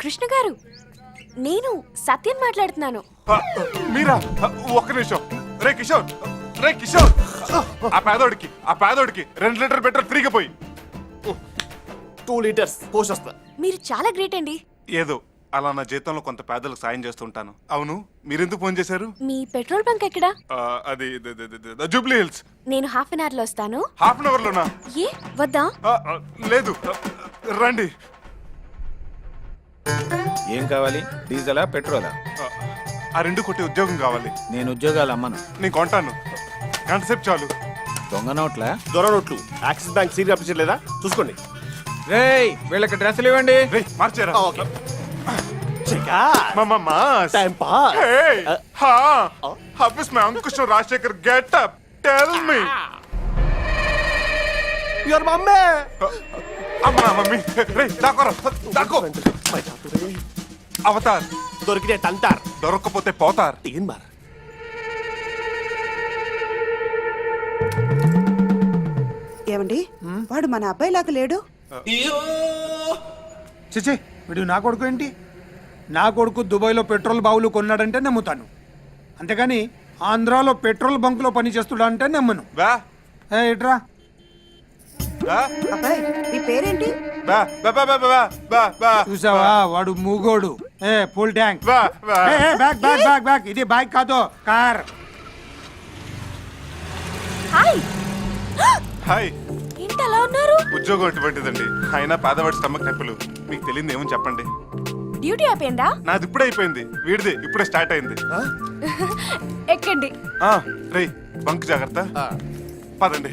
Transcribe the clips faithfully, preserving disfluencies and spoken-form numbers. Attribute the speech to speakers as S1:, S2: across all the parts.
S1: కృష్ణ గారు, నేను సత్యం మాట్లాడుతున్నాను.
S2: ఆ, మీరా ఆ, ఒక్క నిమిషం. రే కిషోర్, రే కిషోర్, ఆ పేదోడికి ఆ పేదోడికి రెండు లీటర్ పెట్రోల్ ఫ్రీగా పోయి.
S3: టూ లీటర్స్ పోస్ట్ వస్తా.
S1: మీరు చాలా గ్రేట్ అండి.
S2: ఏదో అలా నా జీతంలో కొంత పేదలకు సాయం చేస్తుంటాను. అవును, మీరెందుకు ఫోన్ చేశారు?
S1: మీ పెట్రోల్ బంక్ ఎక్కడా?
S2: ఆ, అది ద- ద- ద- ద- జూబ్లీ హిల్స్.
S1: నేను హాఫ్ అన్ అవర్ లో వస్తాను.
S2: హాఫ్ అన్ అవర్ లోనా?
S1: ఏ వద్దా?
S2: ఆ, ఆ, లేదు, ఆ, రండి.
S4: ఏం కావాలి? డీజిలా పెట్రోలా?
S2: ఆ, ఆ రెండు కొట్టి ఉద్యోగం కావాలి.
S4: నేను ఉద్యోగాలు అమ్మను.
S2: నేను కొంటాను, గంట సేపు చాలు.
S4: దొంగ నోట్లా?
S3: దొర నోట్లు యాక్సిస్ బ్యాంక్ సీరియల్ అప్లికేషన్ లేదా చూసుకోండి.
S4: రేయ్ వీళ్ళకి డ్రెస్సులు ఇవ్వండి.
S2: రే మార్చారా?
S3: ఓకే.
S2: मामा mass
S3: Time pass.
S2: Hey,
S3: Uh,
S2: हाँ,
S3: uh.
S2: अब इसमें अंकुश और Rajashekhar get up. Tell me.
S3: Your mummy.
S2: అమ్మా మమ్మీ, రే దాకోరా, దాకో. అవతార్
S3: దొరికితే తంతార్.
S2: దొరక్కపోతే పోతార్.
S3: తీన్ బార్.
S5: ఏమండి వాడు మన అబ్బాయిలాగా లేడు.
S6: చిచి వీడు నా కొడుకు ఏంటి? నా కొడుకు దుబాయ్లో పెట్రోల్ బావులు కొన్నాడంటే నమ్ముతాను, అంతేగాని ఆంధ్రాలో పెట్రోల్ బంకులో పని చేస్తుడా అంటే నమ్మను.
S2: బా
S6: ఏ ఇట్రా.
S2: బా
S5: అబ్బాయి నీ పేరేంటి?
S2: బా బా బా బా బా బా బా
S6: చూసావా వాడు మూగోడు. ఏ ఫుల్ ట్యాంక్.
S2: బా బా.
S6: ఏ, ఏ, బ్యాక్ బ్యాక్ బ్యాక్ బ్యాక్. ఇది బైక్ కాదు, కార్.
S1: హాయ్.
S2: హాయ్.
S1: ఏంటి అలా ఉన్నారు?
S2: ఉద్యోగం ఎటువంటిదండి, అయినా పేదవాడి స్టమక్ నొప్పులు. మీకు తెలియదు ఏమని చెప్పండి.
S1: డ్యూటీ అయిపోయిందా?
S2: నాది ఇప్పుడే అయిపోయింది, వీడిది ఇప్పుడే స్టార్ట్ అయింది.
S1: ఎక్కండి.
S2: ఆ, రే బంక్ జాగ్రత్త. పదండి.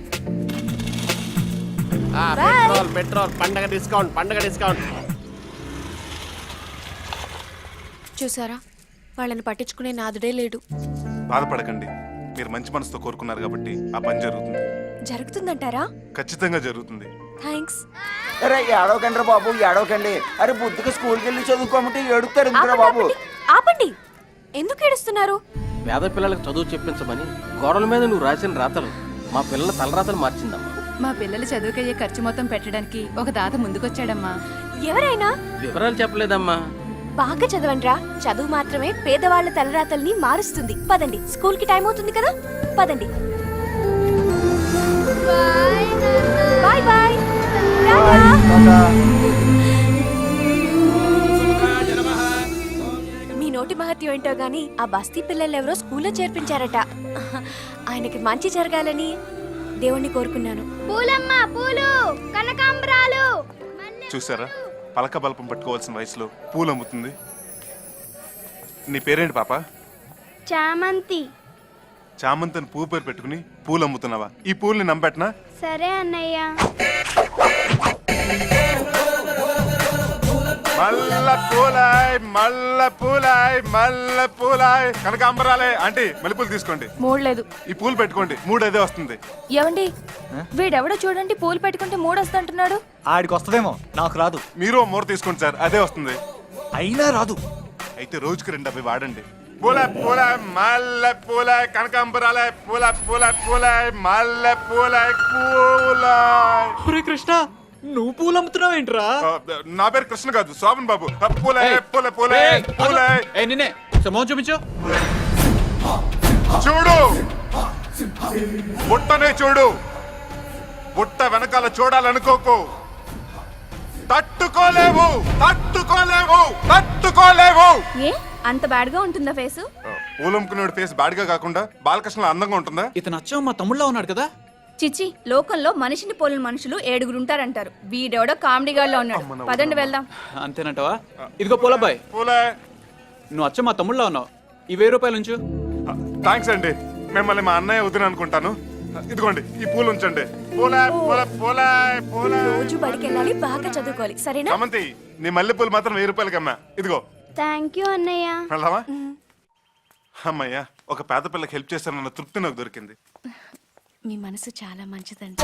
S3: ఆ, పెట్రోల్ పెట్రోల్ పండగ డిస్కౌంట్ పండగ డిస్కౌంట్.
S1: చూసారా, వాళ్ళని పట్టించుకునే నాదుడే లేడు.
S2: బాధపడకండి, మీరు మంచి మనసుతో కోరుకున్నారు కాబట్టి ఆ పని జరుగుతుంది.
S1: జరుగుతుందంటారా?
S2: ఖచ్చితంగా జరుగుతుంది.
S1: థ్యాంక్స్.
S7: అరే ఏడవకండి బాబు, ఏడవకండి. అరే బుద్ధిగా స్కూల్కి వెళ్ళి చదువుకోమంటే ఏడుస్తారు ఎందుకురా బాబు?
S1: ఆపండి, ఆపండి. ఎందుకు ఏడుస్తున్నారు?
S8: పేద పిల్లలకు చదువు చెప్పించమని గోడల మీద నువ్వు రాసిన రాతలు మా పిల్లల తలరాతలు మార్చిందమ్మా.
S9: మా పిల్లల చదువుకయ్యే ఖర్చు మొత్తం పెట్టడానికి ఒక దాత ముందుకొచ్చాడమ్మా.
S1: ఎవరైనా?
S8: వివరాలు చెప్పలేదమ్మా.
S1: బాగా చదవండ్రా. చదువు మాత్రమే పేదవాళ్ల తలరాతల్ని మారుస్తుంది. పదండి, స్కూల్ కి టైం అవుతుంది కదా. పదండి. Bye bye. మీ నోటి మహత్యం ఏంటో గాని ఆ బస్తీ పిల్లలు ఎవరో స్కూల్లో చేర్పించారట. ఆయనకి మంచి జరగాలని దేవుణ్ణి కోరుకున్నాను.
S10: పూలమ్మ పూలు కనకాంబరాలు.
S2: చూసారా, పలక బల్పం పట్టుకోవాల్సిన వయసులో పూలు అమ్ముతుంది. నీ పేరేంటి పాప?
S10: చామంతి.
S2: చామంతిని పువ్వు పేరు పెట్టుకుని పూలు అమ్ముతున్నావా? ఈ పూల్ని నమ్మెట్నా?
S10: సరే అన్నయ్య.
S2: మల్ల పూలాయ్ మల్ల పూలాయ్ మల్ల పూలాయ్ కనకాంబరాలే. ఆంటీ మల్లెపూలు తీసుకోండి.
S9: మూడలేదు.
S2: ఈ పూలు పెట్టుకోండి, మూడు అదే వస్తుంది.
S9: ఏమండి, వీడెవడో చూడండి పూలు పెట్టుకుంటే మూడు వస్తుంటున్నాడు.
S7: ఆడికి వస్తుందేమో, నాకు రాదు.
S2: మీరు ఓ మూర తీసుకోండి సార్, అదే వస్తుంది.
S7: అయినా రాదు.
S2: అయితే రోజుకి రెండు అవి వాడండి. పూల పూల మల్ల పూల కనకాంబరాలే పూల పూల పూల మల్ల పూల పూల.
S7: కృష్ణ నువ్వు పూలు అమ్ముతున్నావు ఏంట్రా?
S2: ఆ, నా పేరు కృష్ణ కాదు, శోభన్ బాబు. ఆ, పూలే పూల పూలే పూలే.
S7: నిన్నే సమోహం చూపించు.
S2: చూడు, బుట్టనే చూడు. బుట్ట వెనకాల చూడాలనుకోకు. తట్టుకోలేవు తట్టుకోలేవు తట్టుకోలేవు.
S9: ఏ అంత బ్యాడ్ గా ఉంటుందా ఫేసు?
S2: పూలమ్ముకునేవాడి ఫేస్ బాడిగా కాకుండా బాలకృష్ణ అందంగా ఉంటుందా?
S7: ఇతను అచ్చం మా తమ్ముళ్ళ ఉన్నాడు కదా.
S9: చిచి, లోకంలో మనిషిని పోలిన మనుషులు ఏడుగురు ఉంటారంటారు. వీడెవడో కామెడీగాల్లో ఉన్నాడు. పదండి వెళ్దాం.
S7: అంతేనంటావా? ఇదిగో పూలబ్బాయ్,
S2: పూలే.
S7: నువ్వు అచ్చం మా తమ్ముళ్ళ ఉన్నావు. ఈ వెయ్యి రూపాయలు ఉంచు.
S2: థ్యాంక్స్ అండి, మిమ్మల్ని మా అన్నయ్య వదిన అనుకుంటాను. ఇదిగోండి ఈ పూలు ఉంచండి. పూలే పూల పూలే పూలే.
S1: రోజు బడికి వెళ్ళాలి, బాగా చదువుకోవాలి, సరేనా?
S2: సమంతి, నీ మల్లె పూలు మాత్రం వెయ్యి రూపాయలకి అమ్మా. ఇదిగో.
S10: థ్యాంక్ యూ అన్నయ్య.
S2: వెళ్దామా? అమ్మయ్యా, ఒక పేద పిల్లకి హెల్ప్ చేస్తానన్న తృప్తి నాకు దొరికింది.
S1: మీ మనసు చాలా మంచిదండి.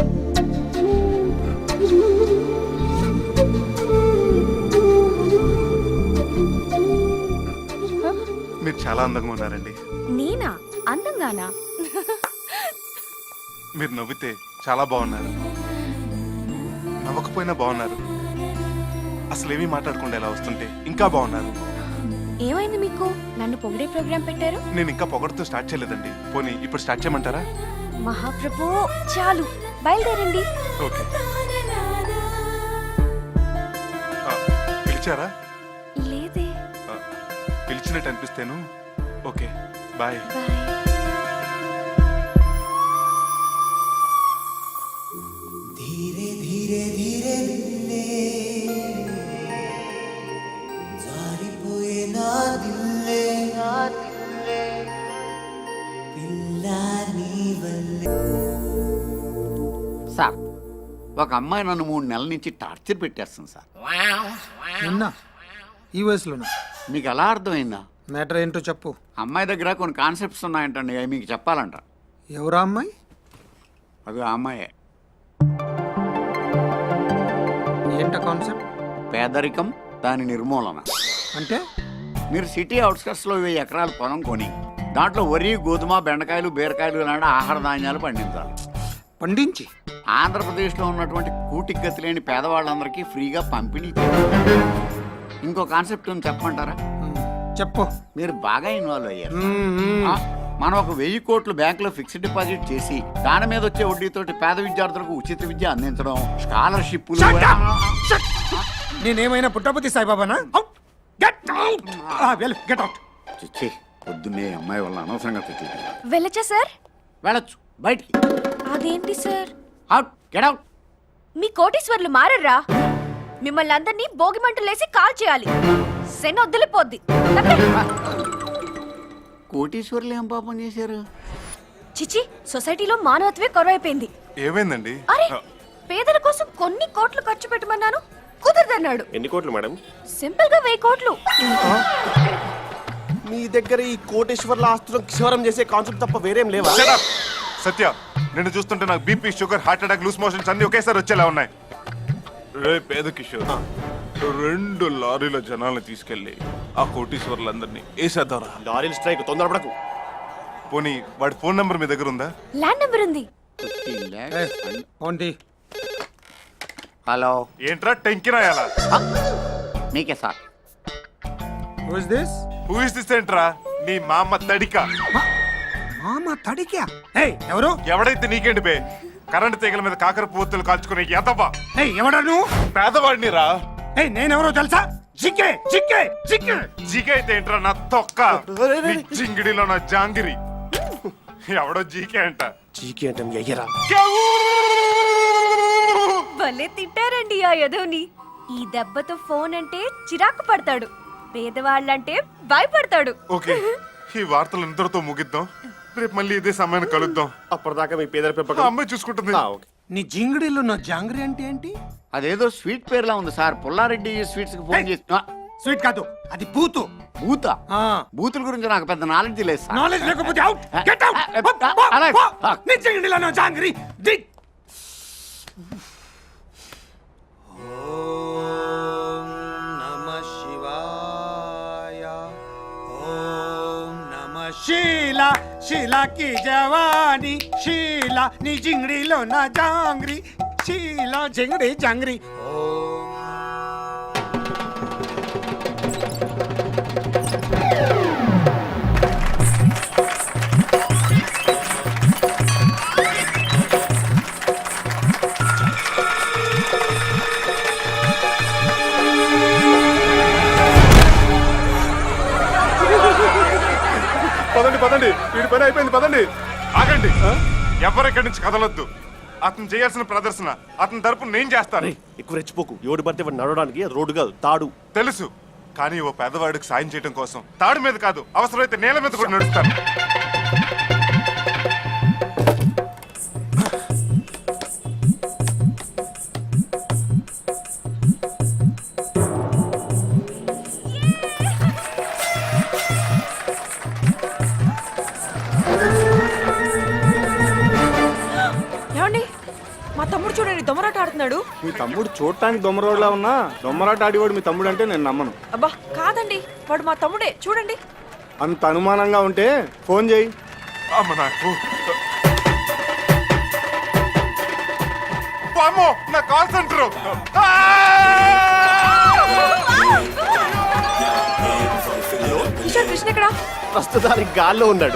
S2: మీరు చాలా అందంగా ఉన్నారండి.
S1: నేనా అందంగానా?
S2: మీరు నవ్వితే చాలా బాగున్నారు, నవ్వకపోయినా బాగున్నారు. అసలు ఏమీ మాట్లాడకుండా ఎలా వస్తుంటే ఇంకా బాగున్నారు.
S1: ఏమైంది మీకు? నన్ను పొగిడే ప్రోగ్రాం పెట్టారు.
S2: నేను ఇంకా పొగడుతూ స్టార్ట్ చేయలేదండి. పోనీ ఇప్పుడు స్టార్ట్ చేయమంటారా?
S1: మహాప్రభు చాలు, బయలుదేరండి.
S2: ఓకే. ఆ, పిలిచారా?
S1: లేదే.
S2: ఆ, పిలిచినట్టు అనిపిస్తేను. Okay, bye.
S1: బాయ్.
S11: సార్, ఒక అమ్మాయి నన్ను మూడు నెలల నుంచి టార్చర్ పెట్టేస్తుంది సార్.
S6: నిన్న ఈ వయసులోనా?
S11: మీకు ఎలా అర్థమైందా?
S6: మ్యాటర్ ఏంటో చెప్పు.
S11: అమ్మాయి దగ్గర కొన్ని కాన్సెప్ట్స్ ఉన్నాయంటండి, అవి మీకు చెప్పాలంట.
S6: ఎవరా అమ్మాయి?
S11: అది ఆ అమ్మాయే.
S6: ఏంట కాన్సెప్ట్?
S11: పేదరికం, దాని నిర్మూలన.
S6: అంటే
S11: మీరు సిటీ అవుట్స్కట్స్లో వెయ్యి ఎకరాల పొలం కొని దాంట్లో వరి, గోధుమ, బెండకాయలు, బీరకాయలు లాంటి ఆహార ధాన్యాలు పండించాలి.
S6: పండించి
S11: ఆంధ్రప్రదేశ్లో ఉన్నటువంటి కూటికి గతి లేని పేదవాళ్ళందరికీ ఫ్రీగా పంపిణీ చేయాలి. ఇంకో కాన్సెప్ట్ ఉంది, చెప్పమంటారా?
S6: చెప్పు.
S11: మీరు బాగా ఇన్వాల్వ్ అయ్యారు.
S6: మ్మ్.
S11: ఆ, మనం ఒక వెయ్యి కోట్లు బ్యాంకులో ఫిక్స్డ్ డిపాజిట్ చేసి దాని మీద వచ్చే వడ్డీతోటి పేద విద్యార్థులకు ఉచిత విద్య అందించడం, స్కాలర్షిప్లు.
S6: నేనేమైనా పుట్టపతి సాయిబాబానా? Get out! Get out!
S11: చిచ్చి, పొద్దున్నే అమ్మాయి వల్ల అనవసరంగా తిట్లు.
S1: వెళ్ళచ్చా సార్?
S11: వెళ్ళొచ్చు, బయటికి.
S1: అదేంటి సార్?
S11: Out, get out.
S1: మీ కోటీశ్వర్లు మారర్రా? మిమ్మల్ని అందరినీ భోగి మంటలేసి కాల్ చేయాలి. శని వదిలిపోద్ది.
S11: కోటీశ్వర్లు ఏం పాపం చేశారు?
S1: చిచి, సొసైటీలో మానవత్వే కొరవైపోయింది.
S2: ఏమైందండి?
S1: అరే, పేదల కోసం కొన్ని కోట్లు ఖర్చు పెట్టమన్నాను, కుదరదన్నాడు.
S3: ఎన్ని కోట్లు మేడం?
S1: సింపుల్ గా వెయ్యి కోట్లు.
S3: మీ దగ్గర ఈ కోటేశ్వర్ల ఆస్తులను క్షవరం చేసే కాన్సెప్ట్ తప్ప వేరేం లేవా?
S2: Shut up! సత్య, నిన్ను చూస్తుంటే నాకు BP, sugar, heart attack, loose motions అన్ని ఒకేసారి వచ్చేలా ఉన్నాయి. రే పేద కిషోర్, రెండు లారీల జనాల్ని తీసుకెళ్లి ఆ కోటీశ్వర్లందరినీ వేసేద్దారా?
S3: లారీల స్ట్రైక్, తొందరపడకు.
S2: పోనీ వాడి ఫోన్ నంబర్ మీ దగ్గర ఉందా?
S1: ల్యాండ్ నెంబర్ ఉంది.
S6: ఏంటి?
S11: హలో,
S2: ఏంట్రా టెంకిరాయాలా?
S11: మీకే sir.
S6: Who is this?
S2: Who is this ఏంట్రా? నీ మామ తడిక.
S6: మామ తడికా? ఏయ్, ఎవరు?
S2: ఎవడైతే నీకేంటి బే? కరెంట్ తీగల మీద కాకర పువ్వులు కాల్చుకునే ఎదవా.
S6: ఏయ్, ఎవడా నువ్వు?
S2: పేదవాడిని రా.
S6: ఏయ్, నేనెవరో తెలుసా? జికే జికే జికే
S2: జీకే అయితే ఏంట్రా నా తొక్క? నీ జింగిడిలో నా జాంగిరి. ఎవడో జీకే అంట.
S3: చీకి అంటే మీ అయ్యరా?
S1: భలే తిట్టారండి ఆ యదోని. ఈ దెబ్బతో ఫోన్ అంటే చిరాకు పడతాడు, పేదవాళ్ళంటే భయపడతాడు.
S2: ఓకే, ఈ వార్తలు ఇంతటితో ముగిద్దాం. రేపు మళ్ళీ ఇదే సమయాన్ని కలుద్దాం.
S3: అప్పటిదాకా మీ పేదల
S2: ఆ
S3: పెంపకం
S2: అమ్మాయి చూసుకుంటుంది.
S3: ఆ, ఓకే.
S6: నీ జింగిడిలో నా జాంగ్రీ అంటే ఏంటి?
S11: అదేదో స్వీట్ పేర్లా ఉంది సార్. పుల్లారెడ్డి స్వీట్స్ కి ఫోన్ చేసి. ఆ,
S6: స్వీట్ కాదు, అది బూతు.
S11: బూత.
S6: ఆ.
S11: బూతుల గురించి నాకు పెద్ద నాలెడ్జ్ లేదు సార్.
S6: నాలెడ్జ్ లేకపోతే అవుట్. Get out!
S11: అలాగే.
S6: నీ జింగిడిలో నా జాంగ్రీ. ది శీలా శీలా కి జవానీ, శీలా నీ జింగిడిలో నా జాంగ్రీ, శీలా జింగిడి జాంగ్రీ.
S2: పదండి పదండి, వీడి పని అయిపోయింది, పదండి. ఆగండి, ఎవరెక్కడి నుంచి కదలొద్దు. అతను చేయాల్సిన ప్రదర్శన అతని తరపున నేను చేస్తాను.
S3: ఎక్కువ రెచ్చిపోకు. ఎవడు పడితే వాడు నడవడానికి అది రోడ్డు కాదు, తాడు.
S2: తెలుసు, కానీ ఓ పేదవాడికి సాయం చేయడం కోసం తాడు మీద కాదు, అవసరమైతే నేల మీద కూడా నడుస్తాను.
S1: ఏమండి, మా తమ్ముడు చూడండి దొమరాట ఆడుతున్నాడు.
S4: మీ తమ్ముడు చూడటానికి దొమ్మరోడ్లా ఉన్నా దొమ్మరాట ఆడివాడు మీ తమ్ముడు అంటే నేను నమ్మను.
S1: అబ్బా కాదండి, వాడు మా తమ్ముడే చూడండి.
S4: అంత అనుమానంగా ఉంటే ఫోన్ చేయి.
S2: అమ్మ నాకు వామ్మో, నా కాల్ సెంటర్.
S1: కిషోర్ కృష్ణ ఎక్కడ?
S3: ప్రస్తుతానికి గాల్లో ఉన్నాడు.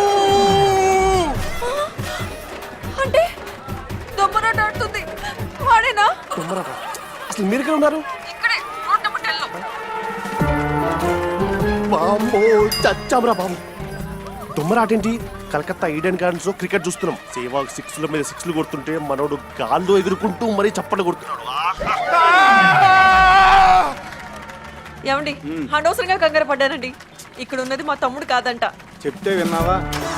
S1: అంటే దొమ్మరాట ఆడుతుంది వాడేనా?
S3: అసలు మీరు ఇక్కడ ఉన్నారు?
S1: ఇక్కడే రోడ్ నెంబర్ టెన్ లో.
S3: బాంబో చచ్చామరా బాబు. దొమ్మరాటేంటి? కలకత్తా ఈడెన్ గార్డెన్స్ లో క్రికెట్ చూస్తున్నాం. సేవాగ్ సిక్స్ ల మీద సిక్స్లు కొడుతుంటే మనోడు గాల్లో ఎగురుకుంటూ మరీ చప్పట్లు కొడుతున్నాడు.
S1: ఏమండి అనవసరంగా కంగారు పడ్డానండి. ఇక్కడ ఉన్నది మా తమ్ముడు కాదంట.
S4: చెప్తే విన్నావా?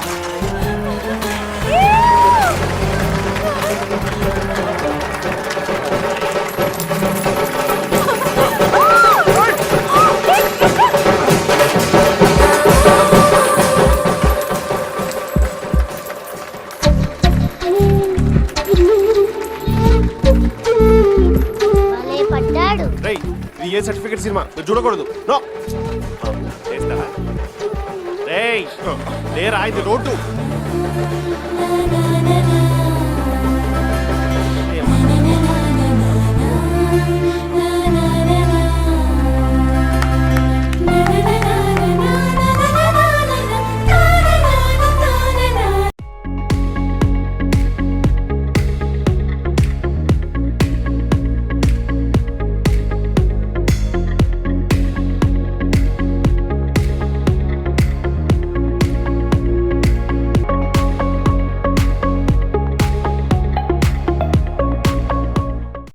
S10: భలే పడ్డాడు.
S3: రేయ్, ఇది ఏ సర్టిఫికేట్ సినిమా మీరు చూడకూడదు. నో చేస్తారా? రేయ్ లేరా, ఇది రోడ్డు.